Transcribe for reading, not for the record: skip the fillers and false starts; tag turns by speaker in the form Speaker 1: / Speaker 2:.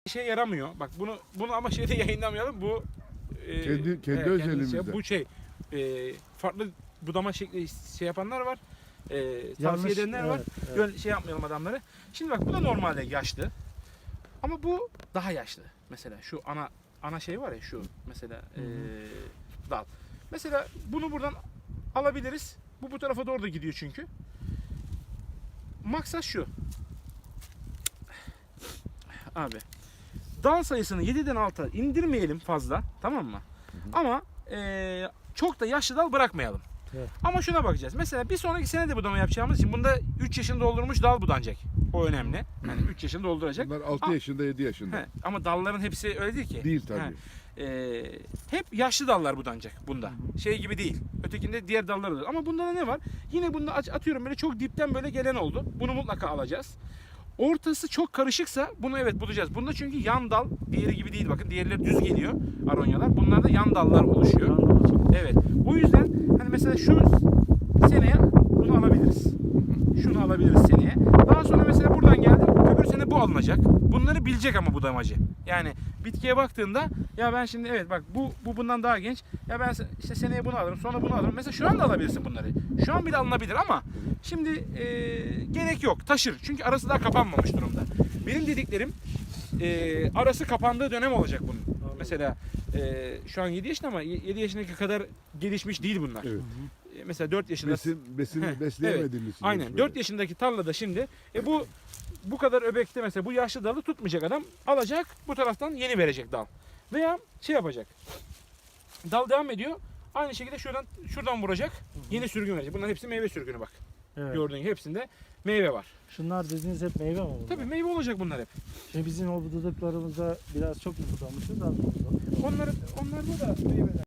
Speaker 1: işe yaramıyor. Bak bunu ama şeyde yayınlamayalım. Bu
Speaker 2: Kendi özelimizde.
Speaker 1: bu farklı budama şekli şey yapanlar var. Tavsiye
Speaker 3: Yanlış,
Speaker 1: edenler var.
Speaker 3: evet.
Speaker 1: Şey yapmayalım adamları. Şimdi bak bu da normalde yaşlı. Ama bu daha yaşlı. Mesela şu ana şey var ya şu mesela dal. Mesela bunu buradan alabiliriz. Bu tarafa doğru da gidiyor çünkü. Maksat şu. Abi dal sayısını 7'den 6'a indirmeyelim fazla, tamam mı? Ama çok da yaşlı dal bırakmayalım.
Speaker 3: Evet.
Speaker 1: Ama şuna bakacağız. Mesela bir sonraki sene de budama yapacağımız için bunda 3 yaşını doldurmuş dal budanacak. O önemli. Yani 3 yaşını dolduracak.
Speaker 2: Bunlar 6 yaşında 7 yaşında.
Speaker 1: He, ama dalların hepsi öyle değil ki.
Speaker 2: Değil tabii.
Speaker 1: Hep yaşlı dallar budanacak bunda. Şey gibi değil. Ötekinde diğer dallar da. Ama bunda da ne var? Yine bunda atıyorum böyle çok dipten böyle gelen oldu. Bunu mutlaka alacağız. Ortası çok karışıksa bunu evet bulacağız. Bunda çünkü yan dal diğeri gibi değil, bakın. Diğerleri düz geliyor aronyalar. Bunlarda yan dallar oluşuyor. Evet. O yüzden hani mesela şu seneye bunu alabiliriz. Şunu alabiliriz seneye. Daha sonra mesela buradan geldim. Öbür sene bu alınacak. Bunları bilecek ama budamacı. Yani bitkiye baktığında ya ben şimdi evet bak bu bundan daha genç. Ya ben işte seneye bunu alırım, sonra bunu alırım. Mesela şu anda alabilirsin bunları. Şu an bile alınabilir ama şimdi gerek yok. Taşır. Çünkü arası daha kapanmamış durumda. Benim dediklerim arası kapandığı dönem olacak bunun.
Speaker 3: Anladım.
Speaker 1: Mesela şu an 7 yaşında ama 7 yaşındaki kadar gelişmiş değil bunlar.
Speaker 2: Evet.
Speaker 1: Mesela 4 yaşında.
Speaker 2: Besin
Speaker 1: Heh,
Speaker 2: besleyemediğimiz için.
Speaker 1: Aynen. 4 yaşındaki tarlada şimdi bu kadar öbekte mesela bu yaşlı dalı tutmayacak adam, alacak bu taraftan yeni verecek dal. Veya şey yapacak. Dal devam ediyor. Aynı şekilde şuradan vuracak. Yeni sürgün verecek. Bunların hepsi meyve sürgünü bak.
Speaker 3: Evet.
Speaker 1: Gördüğün gibi hepsinde meyve var.
Speaker 3: Şunlar dediğiniz hep meyve mi bunlar?
Speaker 1: Tabii meyve olacak bunlar hep.
Speaker 3: Şimdi bizim o budadıklarımızda biraz çok mu budamışız, az mı budamışız?
Speaker 1: Onlarda da meyveler.